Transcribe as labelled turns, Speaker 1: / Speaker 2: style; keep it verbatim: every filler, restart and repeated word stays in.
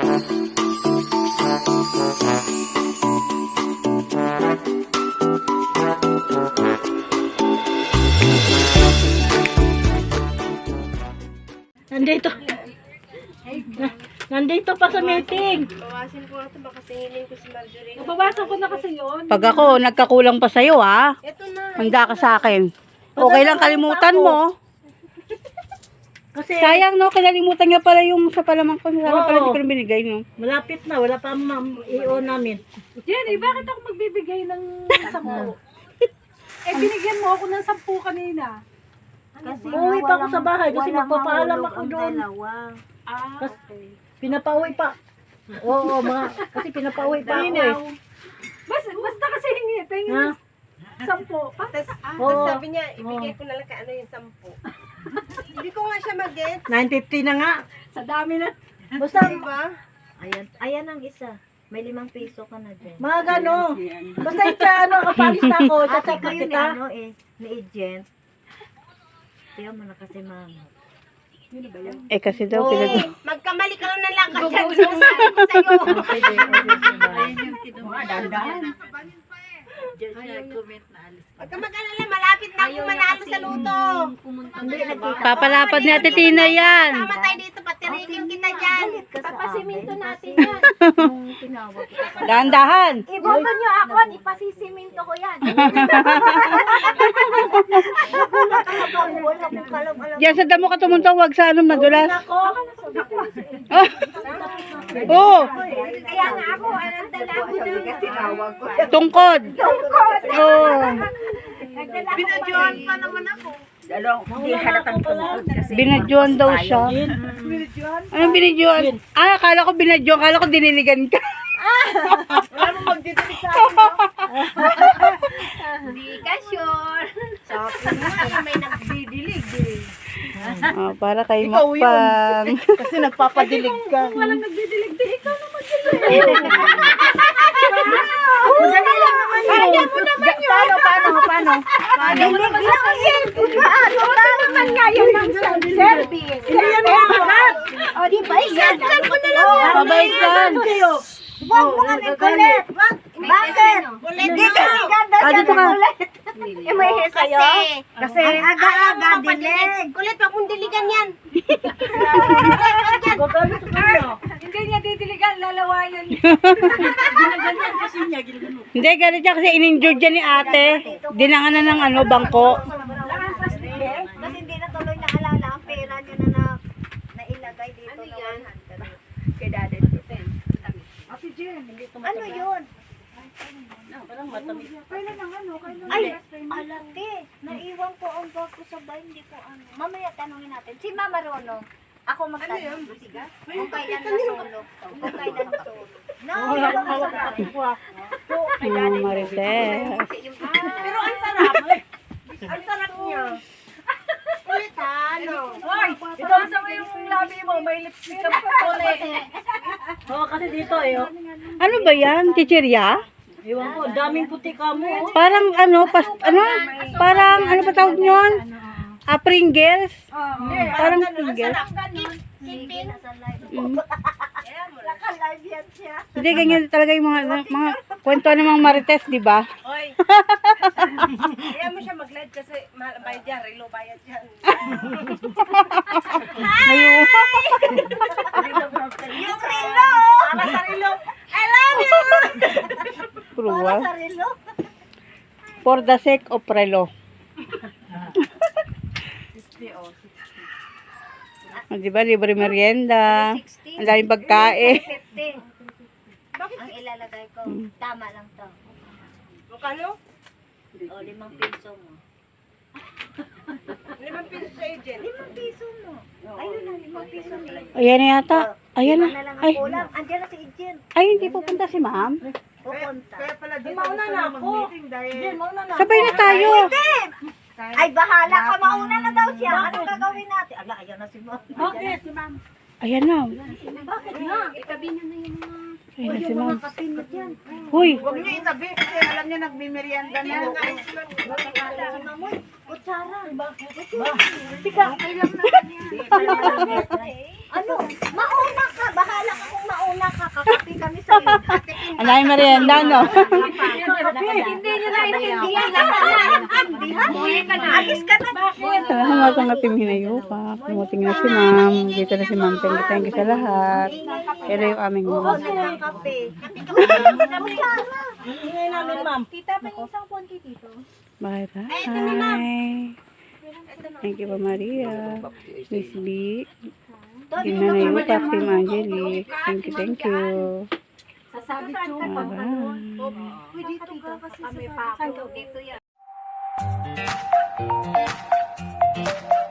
Speaker 1: Nandito. Nandito pa sa meeting.
Speaker 2: Bawasin ko na ito, baka singilin ko si Marjorie.
Speaker 1: Nabawasan ko na kasi yun.
Speaker 3: Pag ako, nagkakulang pa sa'yo, ha?
Speaker 2: Ito na.
Speaker 3: Handa ka sa akin. Okay lang, kalimutan mo.
Speaker 1: Kasi
Speaker 3: Sayang, no? Kinalimutan niya pala yung sa palamang ko. Sana
Speaker 1: Oo.
Speaker 3: pala hindi ko na binigay, no?
Speaker 1: malapit na. Wala pa ang I O namin.
Speaker 4: Jenny, bakit ako magbibigay ng sampu? Eh, binigyan mo ako ng sampu kanina.
Speaker 5: Kasi
Speaker 1: Uuwi
Speaker 5: nga
Speaker 1: pa ako
Speaker 5: walang-
Speaker 1: sa bahay kasi
Speaker 5: walang
Speaker 1: magpapaalam
Speaker 5: mahulog
Speaker 1: ako
Speaker 5: ang
Speaker 1: doon.
Speaker 5: dalawa.
Speaker 4: Ah,
Speaker 1: Kas- Pinapauwi pa. Oo, mga, kasi pinapauwi pa ako eh.
Speaker 4: basta, basta kasi hingi, pahingin
Speaker 1: Ha?
Speaker 4: ng sampu. Ah,
Speaker 2: Tapos,
Speaker 1: Oo.
Speaker 2: tapos sabi niya, ibigay ko na lang ka ano yung sampu. Hindi ko nga siya mag-get.
Speaker 1: nine fifty na nga.
Speaker 4: sa dami na.
Speaker 1: Basta,
Speaker 2: Diba?
Speaker 5: Ayan, ayan ang isa. May limang piso ka na dyan.
Speaker 1: mga gano. Basta ika, ano, kapalis na ako.
Speaker 5: Ate
Speaker 1: Chat-chat
Speaker 5: ko
Speaker 1: na
Speaker 5: yun
Speaker 1: kita.
Speaker 5: ano eh, ni agent. Tiyan mo na kasi mama.
Speaker 3: Eh, kasi daw,
Speaker 1: Oo.
Speaker 3: pinag...
Speaker 2: Eh, magkamali ka lang ng lakad yan. Sinasabi ko sa'yo. Huwag ka mag-alala, malapit na akong manalo sa luto.
Speaker 5: Hindi, nagkita.
Speaker 3: Papalapad ni Ate Tina yan.
Speaker 2: Tama tayo dito, patirikin kita dyan.
Speaker 5: Papasiminto natin yan. Nung tinawag ko pa.
Speaker 3: Dahan-dahan.
Speaker 5: Iboto nyo ako at ipasisiminto ko yan. Wala akong kalam-alam.
Speaker 3: Diyan sa damo ka tumuntong, wag sa ano, madulas.
Speaker 1: Ako,
Speaker 3: Oh! Oh!
Speaker 5: Kaya nga ako, anong dala ko na.
Speaker 3: Tungkod. Oh!
Speaker 2: Binadyohan pa naman ako.
Speaker 3: Binadyohan daw siya. Anong binadyohan? Ah, akala ko binadyohan. Akala ko diniligan ka.
Speaker 2: Wala mo magdidilig sa akin, no?
Speaker 5: Hindi ka sure.
Speaker 2: Sabi nga, may nagdidilig eh.
Speaker 3: Oh, para kay Makpang.
Speaker 2: Kasi nagpapadilig ka.
Speaker 4: Walang nagdidilig, di ikaw na magdidilig.
Speaker 2: Kaya mo naman yun. Paano, paano, paano?
Speaker 5: Kaya mo naman sa akin. Ano naman ngayon ng service?
Speaker 2: Yan mo lahat.
Speaker 5: O, di ba? Yan.
Speaker 2: ko na lang yan.
Speaker 3: Mabait yan.
Speaker 5: Huwag mo kami kulit. Bakit? Hindi ka ganda
Speaker 3: Ah, dito ka.
Speaker 5: Eh, may he sa'yo?
Speaker 2: Kasi,
Speaker 5: Ang aga-aga dilig.
Speaker 2: kulit, wag mong diligan yan.
Speaker 1: gagamit ko na.
Speaker 4: Hindi niya didiligan, lalawayan.
Speaker 1: Ginaganyan kasi niya, ginagano.
Speaker 3: Hindi, ganit siya kasi in-injured dyan ni ate. Dinangan na ng ano, bangko.
Speaker 5: Kasi hindi na tuloy naalala ang pera niya na, na nailagay dito na one hundred. Kay daddy. Ano yun?
Speaker 1: Parang matamis.
Speaker 4: Kailan ang ano? Kailan
Speaker 5: Ay, alati. Naiwan ko ang bag ko sa bahay. Hindi ko ano. Mamaya tanungin natin. Si Mama Rono. Ako magtanong. Kung kailan nasulog to. Kung kailan nasulog. No,
Speaker 1: Wala
Speaker 5: wala
Speaker 1: akong hawak
Speaker 5: sa
Speaker 1: na kuha.
Speaker 3: Hmm, Marites.
Speaker 2: Pero ang sarap. Ang sarap niya. Kulit ha, ano?
Speaker 4: Hoy, ito sa mo yung labi mo, may lipstick ka pa ulit.
Speaker 1: Oo, kasi dito eh. oh.
Speaker 3: Ano ba yan? Chichirya?
Speaker 1: Ewan ko, daming puti ka mo. oh.
Speaker 3: Parang ano, pas, ano? Parang ano ba tawag nyon? Ah, Pringles? Parang Pringles.
Speaker 2: Kipin.
Speaker 3: Mm.
Speaker 5: Naka-live yan siya.
Speaker 3: Hindi, ganyan talaga yung mga, mga kwento ng mga Marites, di ba?
Speaker 2: Oy. Kaya mo siya mag-live kasi mahal bayad yan, relo bayad yan.
Speaker 3: Ayun.
Speaker 5: Yung relo!
Speaker 2: Para sa relo. I love you!
Speaker 5: Para
Speaker 3: Cruel.
Speaker 5: sa relo.
Speaker 3: For the sake of relo. Oh, di ba, libre merienda. Ang daming pagkain.
Speaker 5: fifty. Ang ilalagay ko. Tama lang to.
Speaker 2: Mukano?
Speaker 5: O, limang piso mo.
Speaker 2: Limang piso sa agent.
Speaker 5: Limang piso mo. Ayun na, limang piso mo.
Speaker 3: Ayan na yata. Ayan
Speaker 5: Lima
Speaker 3: na.
Speaker 5: na lang
Speaker 3: Ay,
Speaker 5: ang kulang. Andiyan na si Ijin.
Speaker 3: ay, hindi pupunta si ma'am.
Speaker 5: Pupunta.
Speaker 2: Kaya pala dito
Speaker 1: Mauna
Speaker 2: gusto
Speaker 1: na
Speaker 2: na
Speaker 1: ako.
Speaker 2: mag-meeting dahil
Speaker 1: Hindi, mauna na.
Speaker 3: Sabay na tayo.
Speaker 5: Ay, bahala ka. Mauna na daw siya. Anong gagawin natin? Ala, ayan na si Ma'am.
Speaker 1: Bakit? Si ma'am.
Speaker 3: Ayan na.
Speaker 1: Bakit nga?
Speaker 5: Itabi niyo na yung mga...
Speaker 3: Ayan na si ma'am.
Speaker 5: Kapinit yan.
Speaker 3: Huy.
Speaker 2: huwag niyo itabi kasi alam niyo nagmimerienda na.
Speaker 5: Mamoy, kutsara.
Speaker 1: Tika.
Speaker 5: Ano? Mauna ka. Bahala ka kung mauna Nakakapi kami sa iyo. Ate Pin.
Speaker 3: Ang dami merienda, no?
Speaker 5: Hindi nyo naintindihan. Naintindihan. Alis ka na.
Speaker 3: Salamat ang ating hinayupa. Kumuting na si ma'am. Dito na si ma'am. Thank you, thank you sa lahat. Pero yung aming
Speaker 5: Oo,
Speaker 3: ma'am.
Speaker 5: nagkakape.
Speaker 2: Ingay namin, ma'am.
Speaker 5: Tita, may isang phone kay Tito.
Speaker 3: Bye bye. Thank you pa Maria. Miss B. Hinayupa, Team Angelique. Thank you, thank you.
Speaker 4: Sasabi ko.
Speaker 3: Bye bye.
Speaker 5: Uy, dito ka kasi sa dito yan.